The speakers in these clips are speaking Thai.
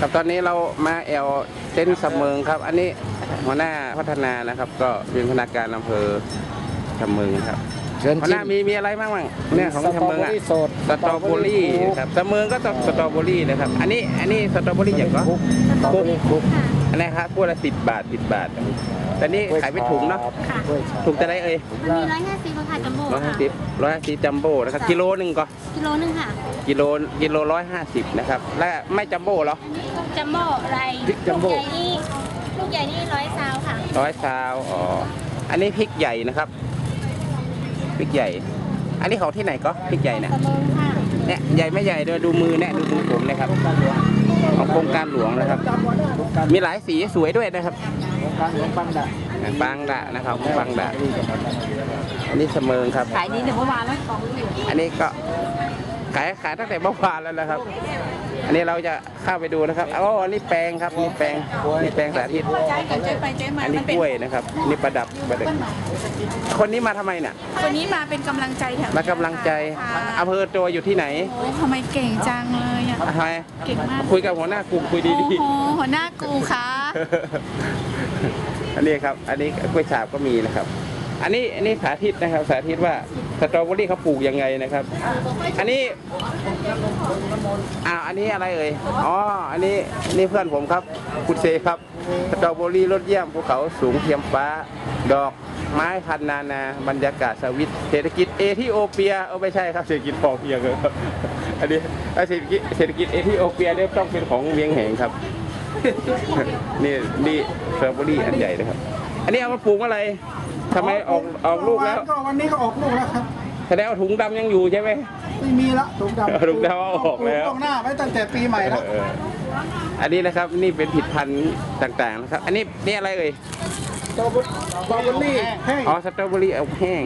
ครับตอนนี้เรามาแอลเต้นเสมิงครับอันนี้หัวหน้าพัฒนานะครับก็เป็นพนักงานอำเภอเสมิงครับหัวหน้ามีอะไรบ้างเนี่ยของเสมิงอ่ะสตรอเบอรี่ครับเสมิงก็ต้องสตรอเบอรี่นะครับอันนี้สตรอเบอรี่อย่างก็คุกอันนี้ครับพวกละ10 บาทแต่นี่ขายเป็นถุงเนาะถุงจะได้มี150ค่ะจัมโบ้ 150จัมโบ้นะครับกิโลนึงก็กิโลนึงค่ะกิโล150นะครับและไม่จัมโบ้เหรอจัมโบ้อะไรลูกใหญ่นี่100 ซาวค่ะ 100 ซาวอ๋ออันนี้พริกใหญ่นะครับพริกใหญ่อันนี้ของที่ไหนก็พริกใหญ่เนี่ยเนี่ยใหญ่ไม่ใหญ่ด้วยดูมือเนี่ยดูมือผมนะครับของโครงการหลวงนะครับมีหลายสีสวยด้วยนะครับบางดะนะครับบางดะอันนี้เสมิงครับขายดีแต่เมื่อวานแล้วอันนี้ก็ขายตั้งแต่เมื่อวานแล้วนะครับอันนี้เราจะเข้าไปดูนะครับอ๋ออันนี้แปลงครับนี่แปลงสาธิตอันนี้กล้วยนะครับนี่ประดับคนนี้มาทำไมเนี่ยคนนี้มาเป็นกำลังใจแถวมากำลังใจอำเภอตัวอยู่ที่ไหนทำไมเก่งจังเลยอ่ะทำไมเก่งมากคุยกับหัวหน้ากลุ่มคุยดีๆหัวหน้ากูค่ะอันนี้ครับอันนี้กล้วยฉาบก็มีนะครับอันนี้สาธิตนะครับสาธิตว่าสตรอเบอรี่เขาปลูกยังไงนะครับอันนี้อันนี้อะไรเอ่ยอ๋ออันนี้เพื่อนผมครับคุณเซครับสตรอเบอรี่รสเยี่ยมภูเขาสูงเทียมฟ้าดอกไม้พันนาบรรยากาศสวิตเศรษฐกิจเอธิโอเปียไม่ใช่ครับเศรษฐกิจพอเพียงครับอันนี้เศรษฐกิจเอธิโอเปียเนี่ยต้องเป็นของเวียงแหงครับนี่สตรอเบอรี่อันใหญ่นะครับอันนี้เอามาปลูกอะไรทำไมออกลูกแล้วก็วันนี้ก็ออกลูกแล้วครับแสดงว่าถุงดำยังอยู่ใช่ไหมไม่มีละถุงดำออกแล้วต้องหน้าไว้ตั้งแต่ปีใหม่แล้วอันนี้นะครับนี่เป็นผลิตภัณฑ์ต่างๆนะครับอันนี้อะไรเอ่ยสตรอเบอรี่แห้งอ๋อสตรอเบอรี่เอาแห้ง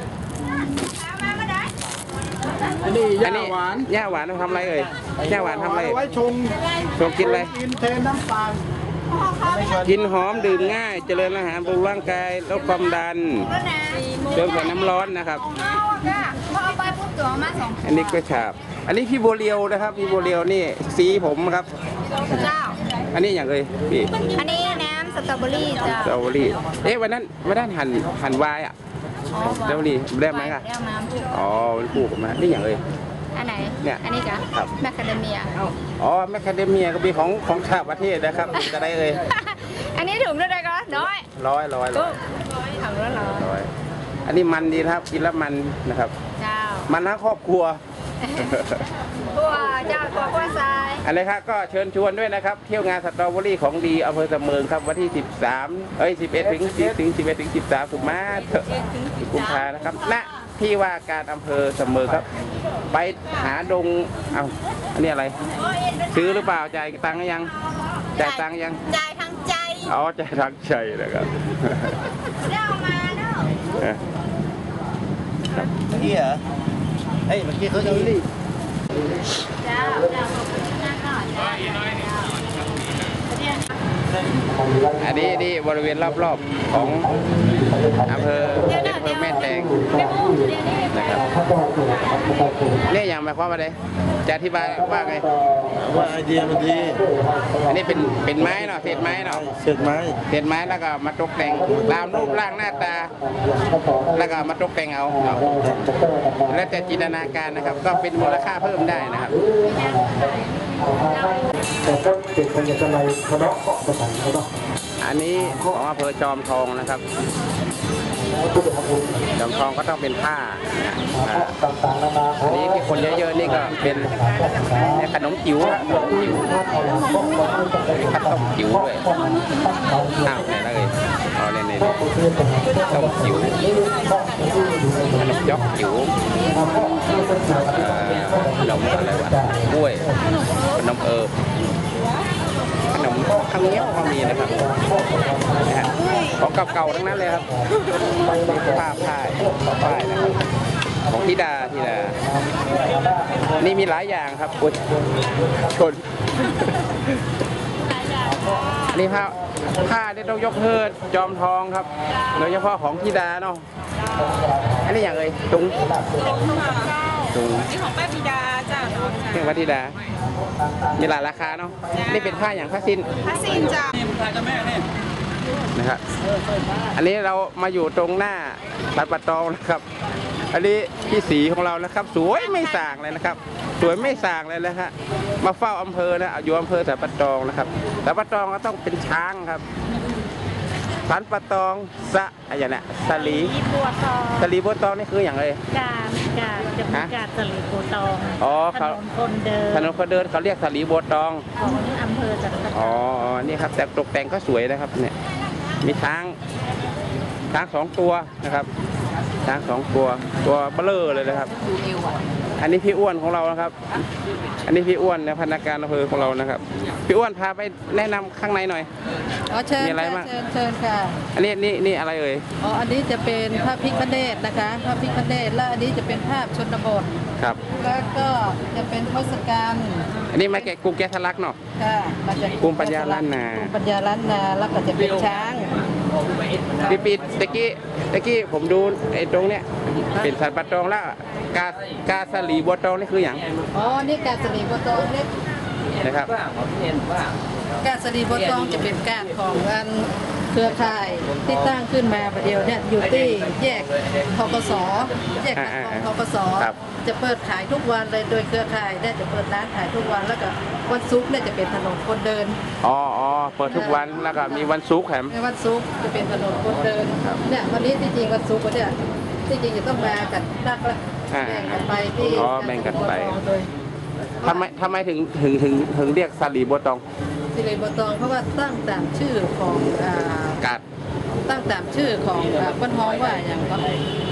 อันนี้ย่าหวานทำอะไรเอ่ยย่าหวานทำอะไรไว้ชงกินอะไรกินเทน้ำตาลกินหอมดื่มง่ายเจริญอาหารบำรุงร่างกายลดความดันเติมกับน้ำร้อนนะครับอันนี้กล้วยฉาบอันนี้พี่โบเรียวนะครับพี่โบเรียวนี่สีผมครับอันนี้อย่างเลยพี่อันนี้น้ำสตรอเบอรี่จ้ะสตรอเบอรี่วันนั้นหั่นวายอ่ะสตรอเบอรี่ได้ไหมคะอ๋อมันปลูกมานี่อย่างเลยอันไหนเนี่ยอันนี้จ้ะแมคคาเดเมียอ๋อแมคคาเดเมียก็มีของชาวประเทศนะครับจะได้เลยอันนี้ถุงเท่าไหร่ก็ร้อยถังละร้อยอันนี้มันดีนะครับกินแล้วมันนะครับมันทั้งครอบครัวตัวเจ้าตัวกล้วยทรายอะไรครับก็เชิญชวนด้วยนะครับเที่ยวงานสตรอเบอรี่ของดีอำเภอเสมิงครับวันที่11 ถึง 13กุมภาพันธ์นะครับณที่ว่าการอำเภอเสมิงครับไปหาดงอันนี้อะไรซื้อหรือเปล่าจ่ายตังค์ยังจ่ายทางใจอ๋อจ่ายทางใจนะครับเล่ามาเนาะเมื่อกี้เหรอเมื่อกี้เขาจะรีบอันนี้บริเวณรอบๆของอำเภอแม่แตงนะครับเนี่ยอย่างหมายความว่าอะไรจะอธิบายว่าไงว่าไอเดียมันดีอันนี้เป็นไม้เนาะเศษไม้แล้วก็มาตกแต่งตามรูปร่างหน้าตาแล้วก็มาตกแต่งเอาแล้วแต่จินตนาการนะครับก็เป็นมูลค่าเพิ่มได้นะครับแต่ก็เด็กคนจะอะไรคณะเกาะประสานเขาต้องอันนี้ของอำเภอจอมทองนะครับจอมทองก็ต้องเป็นผ้าอันนี้ที่คนเยอะๆนี่ก็เป็นขนมจิ๋วข้าวต้มจิ๋วด้วยไหนเลยอ๋อเนี่ยต้มจิ๋วขนมยอกจิ๋วขนมอะไรวะกล้วยขนมขนมข้าวเหนียวก็มีนะครับของเก่าๆทั้งนั้นเลยครับผ้านะครับของธิดานี่มีหลายอย่างครับชนนี่ผ้าที่ต้องยกเทิดจอมทองครับโดยเฉพาะของธิดาเนาะอันนี้อย่างเลยตุงนี่ของป้าธิดาจ้าเรื่องป้าธิดามีหลายราคาเนาะนี่เป็นผ้าอย่างผ้าสิ้นผ้าสิ้นจ้านะครับอันนี้เรามาอยู่ตรงหน้าร้านปะตองนะครับ อันนี้พี่สีของเรานะครับ สวยไม่ส่างเลยนะครับ สวยไม่ส่างเลยนะฮะมาเฝ้าอำเภอนะอยู่อำเภอสันปะตองนะครับสันปะตองก็ต้องเป็นช้างครับสันปะตองอะไรเนี่ยสลีบัวทองสลีบัวตองนี่คืออย่างไรการจะมีการสลีบัวตองอ๋อถนนคนเดินถนนคนเดินเขาเรียกสลีบัวตองของอำเภอจันทบุรีอ๋อ นี่ครับแต่ตกแต่งก็สวยนะครับเนี่ย มีช้างสองตัวนะครับ ช้างสองตัวเบลอเลยนะครับ อันนี้พี่อ้วนของเรานะครับ อันนี้พี่อ้วนเนี่ยพนักงานอำเภอของเรานะครับ พี่อ้วนพาไปแนะนำข้างในหน่อยอ๋อเชิญมีอะไรค่ะบ้างเชิญค่ะอันนี้นี่อะไรเอ่ยอ๋ออันนี้จะเป็นพระพิฆเนศนะคะพระพิฆเนศและอันนี้จะเป็นภาพชนบทครับแล้วก็จะเป็นทศกัณฐ์อันนี้มาแกะกรุงแกะสลักเนาะค่ะมาจากกรุงปัญญาล้านนากรุงปัญญาล้านนาแล้วก็จะเป็นช้างปีตะกี้ผมดูไอ้ตรงเนี้ยเป็นสันปะตองแล้วกาสลีบัวตองนี่คืออย่างอ๋อนี่กาสลีบัวตองเนี่ยนะครับกาสลีบัวตองจะเป็นการของอันเครือข่ายที่ตั้งขึ้นมาประเดี๋ยวเนี่ยอยู่ที่แยกทกสแยกของทกสครับจะเปิดขายทุกวันเลยโดยเครือข่ายเนี่ยจะเปิดร้านขายทุกวันแล้วก็วันศุกร์เนี่ยจะเป็นถนนคนเดินอ๋อเปิดทุกวันแล้วก็มีวันศุกร์แถมในวันศุกร์จะเป็นถนนคนเดินเนี่ยวันนี้ที่จริงวันศุกร์เนี่ยที่จริงจะต้องมากันนักละแบ่งกันไปที่อ๋อแบ่งกันไปโดยทำไมถึงเรียกสลีบัวตองสิริบัวตองเพราะว่าตั้งตามชื่อของกาดตั้งตามชื่อของบ้านฮ้องว่าอย่างก็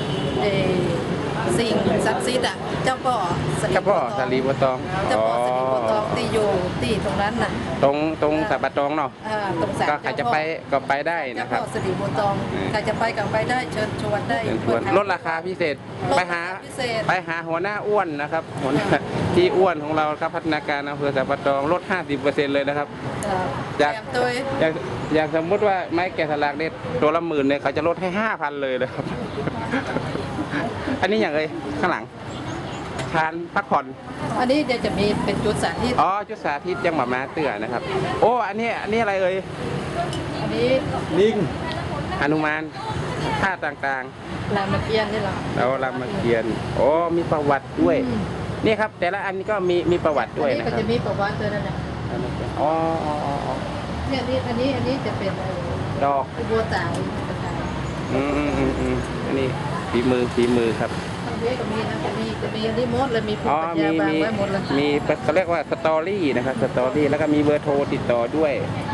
สิ่งศักดิ์สิทธิ์อ่ะเจ้าพ่อสลีเจ้าพ่อสลีบัวตองเจ้าพ่อสลีบัวตองที่อยู่ที่ตรงนั้นน่ะตรงสันปะตองเนาะตรงศาลก็ใครจะไปก็ไปได้เจ้านะครับพ่อสลีบัวตองใครจะไปกับไปได้เชิญชวนได้เชิญชวนลดราคาพิเศษลดไปราคาพิเศษหาหัวหน้าอ้วนนะครับหัวหน้าที่อ้วนของเราครับพัฒนาการอำเภอสันปะตองลด 50%เลยนะครับเตรียมตัวอย่างสมมุติว่าไม้แกะสลักเนี่ยตัวละ10,000เนี่ยเขาจะลดให้ 5,000 เลยนะครับ อันนี้อย่างไรข้างหลังชานพักผ่อนอันนี้เดี๋ยวจะมีเป็นจุดสาธิตอ๋อจุดสาธิตยังหมาม้าเตือนะครับ โอ้อันนี้อะไรเอ่ยอันนี้ลิงหนุมานท่าต่างรามเกียรติ์นี่เหรอๆแล้วรามเกียรติ์โอ้มีประวัติด้วยนี่ครับแต่ละอันนี้ก็มีประวัติอัด้วยนนี้นะก็ครัจะบมีประวัติด้วยนะเนี่ยอ๋อเนี่ยนี่อันนี้จะเป็นดอกบัวตาวต่างอันนี้ฝีมือครับๆทางนี้ก็มีนะจะมีอันนี้หมดเลยมีภูอ๋มิอปัญญาบางไว้หมดเลยมีเขาเรียกว่าสตอรี่นะครับสตอรี่แล้วก็มีเบอร์โทรติดต่อด้วย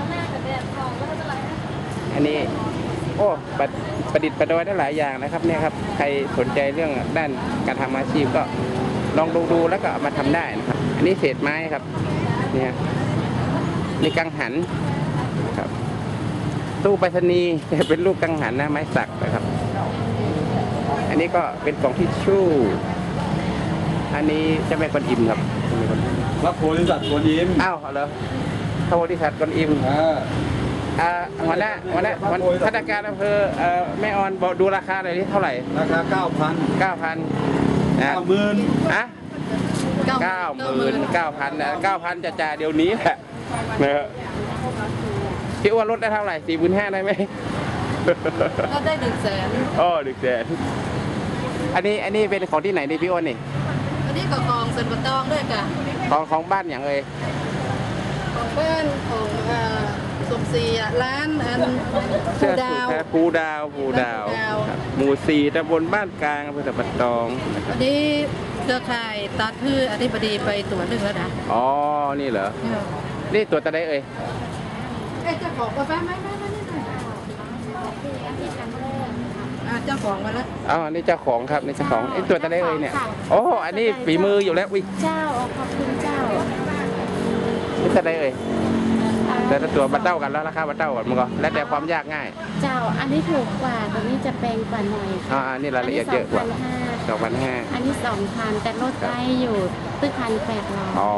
อันนี้โอ้ประดิษฐ์ประดอยได้หลายอย่างนะครับเนี่ยครับใครสนใจเรื่องด้านการทำอาชีพก็ลองดูแล้วก็เอามาทำได้นะครับ อันนี้เศษไม้ครับเนี่ยนี่กังหันครับตู้ไปรษณีย์จะเป็นรูปกังหันนะไม้สักนะครับ อันนี้ก็เป็นกล่องทิชชู่อันนี้เจะแม่กวนอิมครับพระโพธิสัตว์กวนอิมอ้าวเหรอพระโพธิสัตว์กวนอิมหัวหน้าพนักงานอำเภอแม่ออนบอกดูราคาหน่อยที่เท่าไหร่ราคา 9,000 9,000 90,000 อะ99,000นะ9,000จะจ่ายเดี๋ยวนี้แหละนะครับพี่อ้วนลดได้เท่าไหร่45,000ได้ไหมก็ได้100,000 อ๋อ100,000อันนี้เป็นของที่ไหนนี่พี่อ้วนนี่อันนี้ก็กองเซนบัตองด้วยค่ะของบ้านอย่างเอ่ยของบ้านของสมศรีร้านอันภูดาวภูดาวครับหมู่ 4ตำบลบ้านกลางอำเภอสันปะตองนะครับอันนี้เครือข่ายตัดพืชอธิบดีไปตรวจเรื่องแล้วนะอ๋อนี่เหรอนี่ตัวตะไดเอ่ยเจ้าของกาแฟไหมเจ้าของมาแล้วอ๋อนี่เจ้าของครับนี่เจ้าของไอ้ตัวตะไดเอ่ยเนี่ยโอ้อันนี้ฝีมืออยู่แล้ววิเจ้าขอบคุณเจ้านี่ตะไดเอ่ยแต่ละตัวมาเต้ากันแล้วราคามาเต้ากันมันก็แล้วแต่ความยากง่ายเจ้าอันนี้ถูกกว่าตัวนี้จะแพงกว่าหน่อยอ๋ออันนี้รายละเอียดเยอะกว่า 2,500 อันนี้ 2,000 แต่ลดได้อยู่ตึ้ง1,800 อ๋อ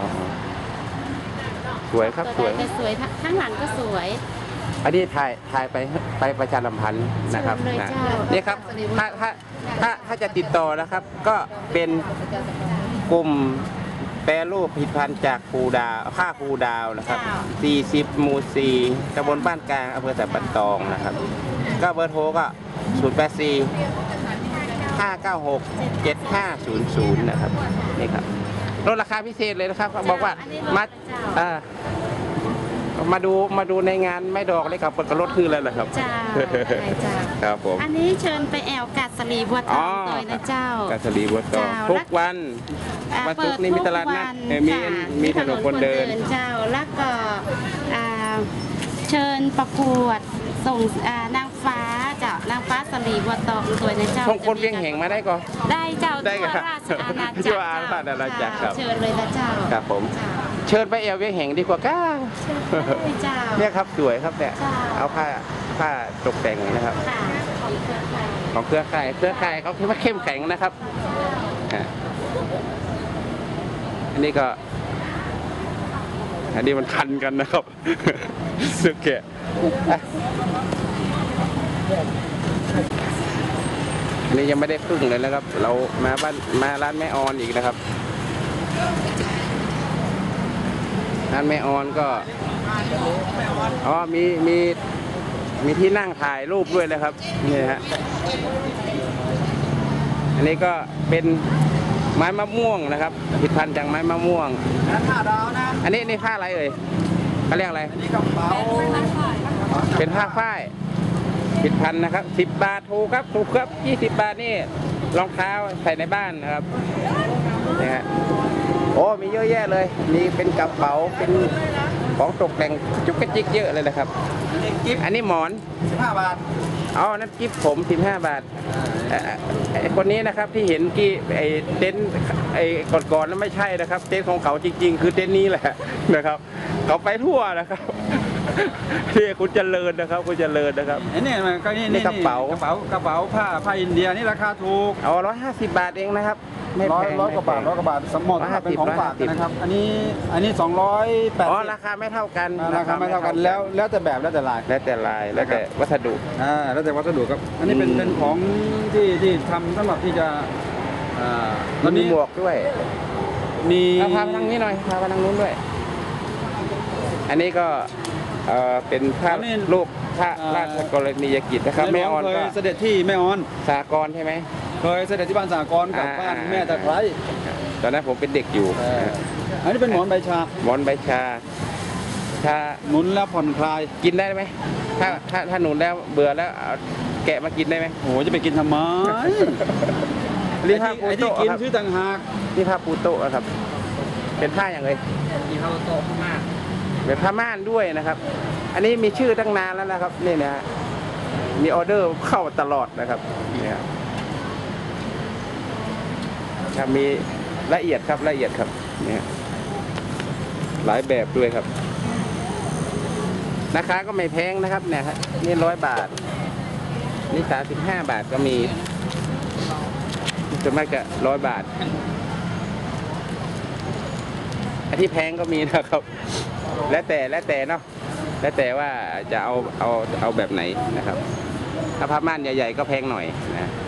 สวยครับสวยแต่สวยข้างหลังก็สวยอันนี้ถ่ายไปประชาสัมพันธ์นะครับเชิญเลยนะเจ้านี่ครับถ้าจะติดต่อนะครับ ก็เป็นกลุ่มแปรรูปผลิตภัณฑ์จากภูดาวผ้าภูดาวนะครับ40หมู่4ตำบลบ้านกลางอำเภอสันปะตองนะครับก็เบอร์โทรก็084 596 7500นะครับนี่ครับลดราคาพิเศษเลยนะครับเขาบอกว่ามาดูในงานไม่ดอกเลยครับเปิดกระลดคืออะไรล่ะครับเจ้าอะไรเจ้าครับผมอันนี้เชิญไปแอลกาดสลีบัวทองเลยนะเจ้ากาสลีบัวทองทุกวันวันศุกร์นี่มีตลาดนัดมีถนนคนเดินเจ้าแล้วก็เชิญประกวดส่งนางฟ้าเจ้านางฟ้าสลีบัวตองตัวนะเจ้าส่งคนเวียงแห่งมาได้ก่อนได้เจ้าได้ทั่วครับราชอาณาจักรทั่วราชอาณาจักรครับเชิญเลยนะเจ้าครับผมเจ้าเชิญไปแอวเวียงแห่งดีกว่าก้าเจ้าเนี่ยครับสวยครับเนี่ยจ้าเอาผ้าตกแต่งนะครับค่ะของเครือข่ายของเครือข่ายเขาคิดว่าเข้มแข็งนะครับอันนี้มันทันกันนะครับ สึกแกะอันนี้ยังไม่ได้ครึ่งเลยนะครับ เรามาร้านแม่ออนอีกนะครับร้านแม่ออนก็มีที่นั่งถ่ายรูปด้วยนะครับนี่ฮะอันนี้ก็เป็นไม้มะม่วงนะครับผลิตภัณฑ์จากไม้มะม่วงผ้าดาวนะอันนี้ผ้าอะไรเอ่ยเขาเรียกอะไรอันนี้กระเป๋าเป็นผ้าฝ้ายผลิตภัณฑ์นะครับ10 บาทถูกครับ20 บาทนี่รองเท้าใส่ในบ้านนะครับนี่ฮะโอ้มีเยอะแยะเลยมีเป็นกระเป๋าเป็นของตกแต่งจุกกระจิกเยอะเลยนะครับอันนี้หมอน 15 บาทนั่นกิฟต์ผม15 บาทไอ้คนนี้นะครับที่เห็นกี้ไอ้เต็นท์ไอ้ก่อนๆนั้นไม่ใช่นะครับเต็นท์ของเขาจริงๆคือเต็นท์นี้แหละนะครับเขาไปทั่วนะครับนี่คุณเจริญนะครับคุณเจริญนะครับไอ้นี่มันก็นี่กระเป๋าผ้าอินเดียนี่ราคาถูกเอา150 บาทเองนะครับไม่แพงร้อยกว่าบาทสมมติถ้าเป็นของฝากนะครับ อันนี้280 ราคาไม่เท่ากันราคาไม่เท่ากันแล้วแต่แบบแล้วแต่ลายแล้วแต่ลายแล้วแต่วัสดุแล้วแต่วัสดุครับ อันนี้เป็นของที่ทำสำหรับที่จะตอนมีนี้หมวกด้วยมีพาไปทางนี้หน่อยพาไปทางนู้นด้วย อันนี้ก็เป็นภาพรูปพระราชกรณียกิจนะครับแม่ออนเคก็ยเสด็จที่แม่ออนสากลใช่ไหมเคยเสด็จที่บ้านสากลกับบ้านแม่ตะไคร้ตอนนั้นผมเป็นเด็กอยู่อันนี้เป็นหมอนใบชาหมอนใบชาหนุนแล้วผ่อนคลายกินได้ไหมถ้าหนุนแล้วเบื่อแล้วเอาแกะมากินได้ไหมโอ้โหจะไปกินทำไมนี่ผ้าปูไอ้ที่โต๊ะกินครับชื่อต่างหากนี่ผ้าปูโต๊ะครับ เป็นผ้าอย่างไรมีผ้าโต๊ะมากเป็นผ้าม่านด้วยนะครับ อันนี้มีชื่อตั้งนานแล้วนะครับนี่นะฮะมีออเดอร์เข้าตลอดนะครับเนี่ยครับมีละเอียดครับเนี่ยหลายแบบด้วยครับราคาก็ไม่แพงนะครับเนี่ยครับนี่100 บาทนี่35 บาทก็มีส่วนมากก็100 บาทอันที่แพงก็มีนะครับแล้วแต่เนาะแล้วแต่ว่าจะเอาแบบไหนนะครับถ้าผ้าม่านใหญ่ๆก็แพงหน่อยนะ